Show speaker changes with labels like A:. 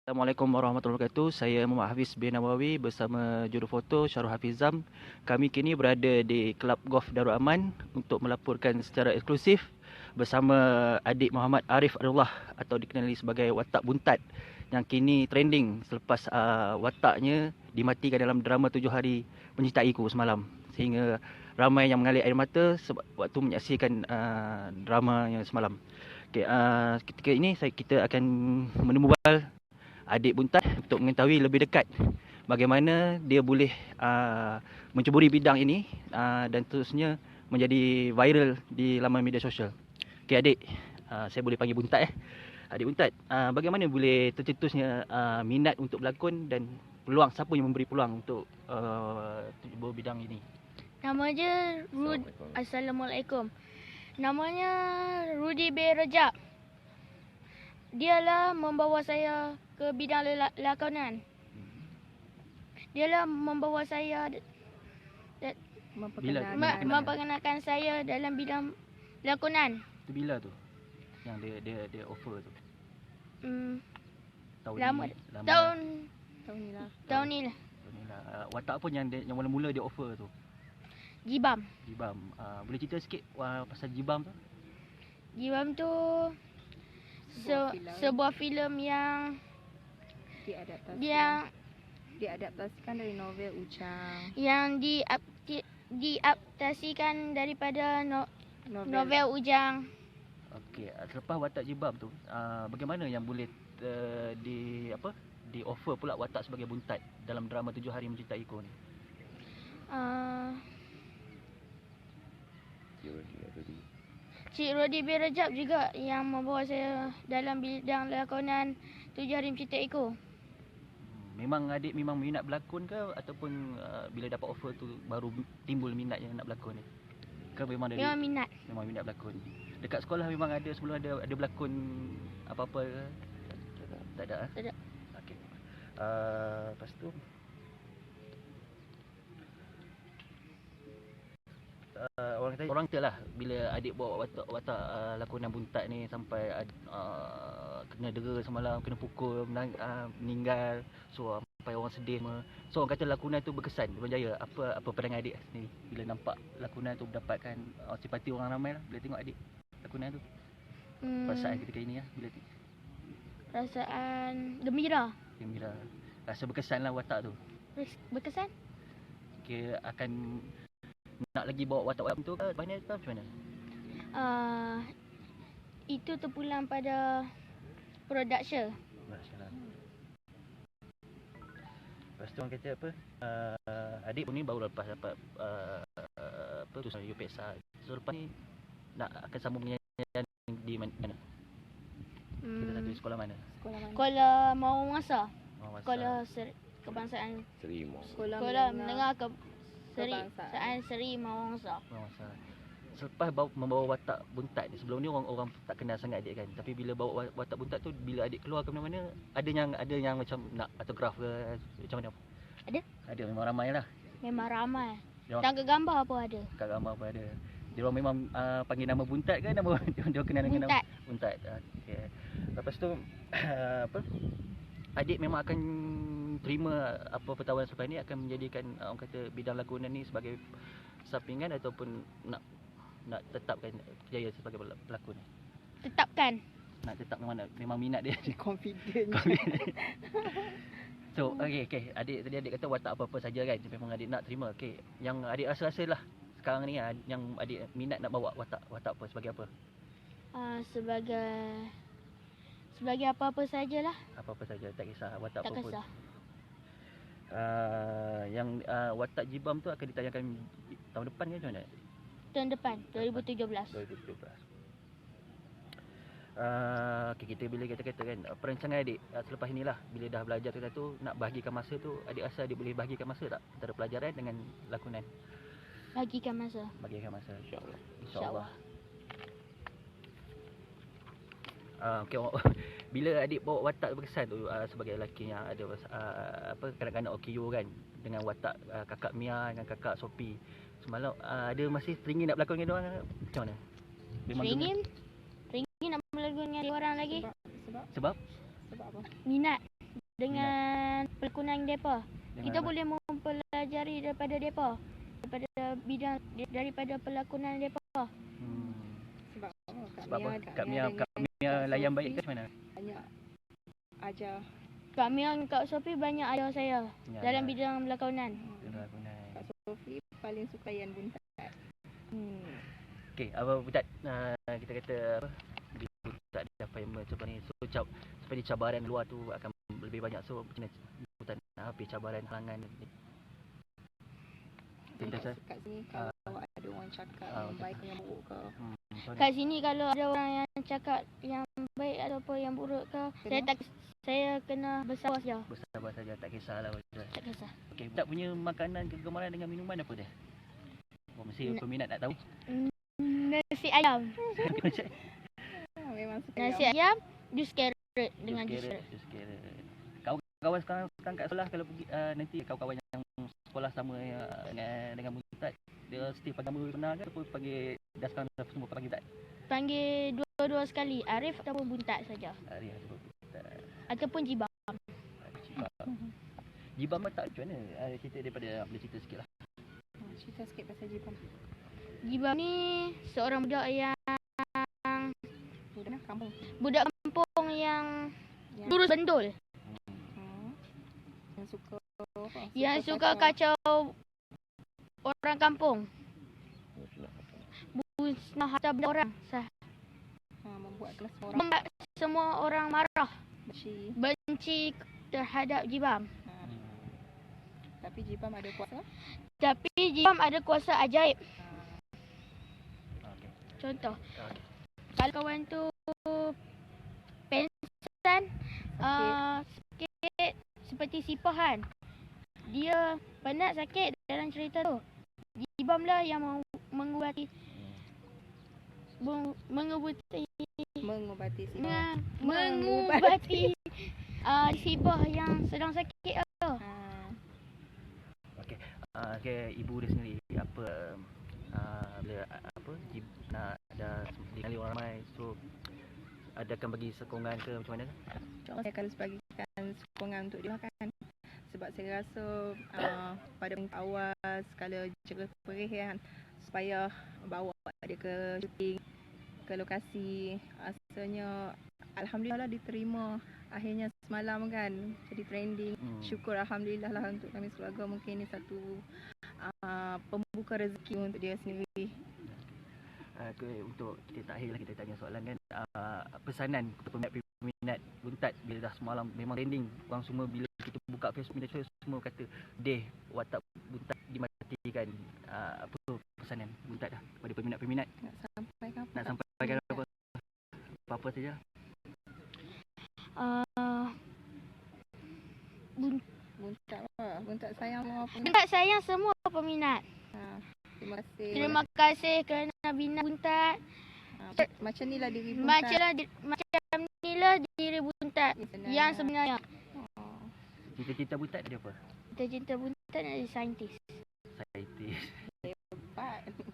A: Assalamualaikum warahmatullahi wabarakatuh. Saya Muhammad Hafiz bin Nawawi bersama jurufoto Syarul Hafizam. Kami kini berada di Kelab Golf Darul Aman untuk melaporkan secara eksklusif bersama adik Muhammad Arif Arullah atau dikenali sebagai watak buntat yang kini trending selepas wataknya dimatikan dalam drama 7 hari Mencintaiku semalam. Sehingga ramai yang mengalir air mata sebab waktu menyaksikan drama yang semalam. Okay, ketika ini kita akan menembal adik buntat untuk mengetahui lebih dekat bagaimana dia boleh menceburi bidang ini dan terusnya menjadi viral di laman media sosial. Okey adik, saya boleh panggil buntat Adik buntat, bagaimana boleh tercetusnya minat untuk berlakon dan peluang, siapa yang memberi peluang untuk cebur bidang ini?
B: Nama dia Assalamualaikum. Namanya Rudy B. Rajab. Dialah membawa saya ke bidang lakonan. Dialah membawa saya memperkenalkan saya dalam bidang lakonan.
A: Itu bila tu yang dia offer tu?
B: Tahun ni lah.
A: Watak apa yang mula-mula dia offer tu?
B: Jibam.
A: Boleh cerita sikit pasal Jibam tu?
B: Jibam tu sebuah filem yang
C: diadaptasikan dari novel Ujang.
B: Yang diadaptasikan daripada novel Ujang.
A: Okey, selepas watak Jibam tu, bagaimana yang boleh di offer pula watak sebagai buntat dalam drama 7 hari Mencintaiku ni?
B: Cik Rodi bin Rajab juga yang membawa saya dalam bidang lakonan 7 hari Mencintaiku.
A: Memang adik minat berlakon ke ataupun bila dapat offer tu baru timbul minat yang nak berlakon ni? Ke memang dari
B: minat?
A: Memang minat berlakon. Dekat sekolah memang ada sebelum ada berlakon apa-apa ke? Tak ada?
B: Tak ada.
A: Okey. Lepas tu orang kata lah bila adik bawa watak lakonan buntat ni sampai kena dera semalam, kena pukul, meninggal, so sampai orang sedih semua. So orang kata lakonan tu berkesan di Putrajaya. Apa pandangan adik sendiri bila nampak lakonan tu mendapatkan simpati orang ramai lah bila tengok adik lakonan tu? Perasaan ketika ini lah bila
B: perasaan gembira.
A: Rasa berkesan lah watak tu.
B: Berkesan?
A: Kira akan nak lagi bawa watak-watak tu ke macam mana?
B: Itu terpulang pada production.
A: Lepas tu orang kata apa? Adik pun ni baru lepas dapat tulisan UPSA. So lepas ni nak akan sambung penyanyian di mana? Kita satu sekolah mana?
B: Sekolah Mawar Masa. Sekolah Kebangsaan Sekolah Menengah Kebangsaan Seri Mawar Masa.
A: Selepas membawa watak buntat ni, sebelum ni orang tak kenal sangat adik kan. Tapi bila bawa watak buntat tu, bila adik keluar ke mana-mana, ada yang macam nak autograf ke macam mana? Ada memang ramai lah.
B: Memang ramai. Tangga gambar pun ada.
A: Dia orang memang panggil nama buntat ke nama dia kenal dengan nama buntat. Okey. Lepas tu adik memang akan terima apa pertawaran selepas ni, akan menjadikan orang kata bidang lakonan ni sebagai sampingan ataupun nak tetapkan kerjaya sebagai pelakon?
B: Tetapkan.
A: Nak tetap memang minat dia.
C: Confident.
A: So okey, adik kata watak apa-apa saja kan, memang adik nak terima. Okey, yang adik rasa lah sekarang ni yang adik minat nak bawa watak apa, sebagai apa?
B: Sebagai apa-apa sajalah.
A: Apa-apa saja, tak kisah watak
B: apa pun. Tak kisah.
A: Yang watak Jibam tu akan ditayangkan tahun depan ke macam mana?
B: Tahun depan, 2017.
A: Okay, bila kita kata kan perancangan adik selepas inilah, bila dah belajar tu nak bahagikan masa tu, adik rasa adik boleh bahagikan masa tak antara pelajaran dengan lakonan?
B: Bahagikan masa,
A: InsyaAllah. Okay, bila adik bawa watak berkesan tu sebagai lelaki yang ada kanak-kanak OKU kan, dengan watak kakak Mia dengan kakak Sophie semalam, ada masih teringin nak berlakon dengan diorang macam mana?
B: Teringin nak berlakon dengan diorang lagi.
A: Sebab
B: Minat. dengan pelakon depa.
A: Dengan
B: Kita
A: apa?
B: boleh mempelajari daripada depa. Daripada pelakonan depa.
A: Hmm.
C: Sebab
A: Sebab apa? Kak Mia layan baik ke macam mana?
C: banyak ajar.
B: Kak Mia dan Kak Sophie banyak ajar saya
A: Ya,
B: dalam
A: ya.
B: bidang pelakonan.
C: Kak Sophie paling suka Yan Buntat.
A: Okey, apa Butat, kita kata apa? Butat dapat yang macam ni. So seperti cabaran luar tu akan lebih banyak. So macam mana Butat nak habis cabaran halangan ni? Kita
C: Kat sini kalau ada orang cakap yang baik yang buruk ke,
B: Kat sini kalau ada orang yang cakap yang baik ataupun yang buruk ke, saya kena bersabar saja.
A: bersabar saja, tak kisahlah Butat.
B: Tak kisah.
A: Okey, Butat punya makanan kegemaran dengan minuman apa dia? Oh, mesti peminat nak tahu.
B: Nasi ayam.
C: memang suka
B: Nasi ayam, jus carrot dengan jus carrot.
A: Jus carrot. Kawan-kawan sekarang kat sekolah kalau pergi nanti kawan-kawan yang sekolah sama dengan Butat, dia still panggil nama benar ke ataupun panggil dah sekarang dah semua panggil Butat?
B: Panggil dua-dua sekali, Arif ataupun Buntat saja.
A: Hari ataupun Butat.
B: Ataupun Jibam.
A: Jibam tak macam mana? Cerita daripada boleh cerita sikit lah.
C: cerita sikit pasal Jibam.
B: Jibam ni seorang budak yang
C: Budak
B: kampung yang
C: yang,
B: lurus bendul.
C: yang suka apa?
B: Yang suka kacau orang kampung. Musnah harta benda orang.
C: membuat kelas orang
B: Membuat semua orang marah,
C: benci.
B: benci terhadap Jibam.
C: Tapi Jibam ada kuasa.
B: Tapi Jibam ada kuasa ajaib.
A: Okey.
B: Contoh,
A: Okey.
B: kalau kawan tu pensan, sakit seperti sipahan, dia penat sakit dalam cerita tu, Jibam lah yang mengubati sibah yang sedang sakit tu.
A: Okey. Okey, ibu dia sendiri apa bila apa nak ada dikenali orang ramai, so adakan bagi sokongan ke macam mana?
C: Saya akan bagikan sokongan untuk dia makan. Sebab saya rasa pada awal sekala jerih perih kan, supaya bawa dia ke syuting, ke lokasi. Rasanya alhamdulillah lah diterima akhirnya semalam kan, jadi trending. Syukur alhamdulillah lah untuk kami keluarga. Mungkin ini satu pembuka rezeki untuk dia sendiri.
A: Untuk kita tak akhirlah kita tanya soalan kan, pesanan kepada peminat Buntat bila dah semalam memang trending, orang semua bila kita buka Facebook media sosial semua kata deh watak Buntat dimatikan. Apa pesanan Buntat dah kepada peminat-peminat?
C: Nak sampaikan
A: apa? Apa saja?
C: Buntat sayang semua peminat.
B: Buntat sayang semua peminat.
C: Terima kasih.
B: Terima kasih kerana bina Buntat.
C: Macam inilah diri Buntat.
B: Macam inilah diri Buntat yang sebenarnya.
A: Cita-cita Buntat dia apa?
B: Cita-cita Buntat adalah saintis.
A: Saintis.
C: Hebat.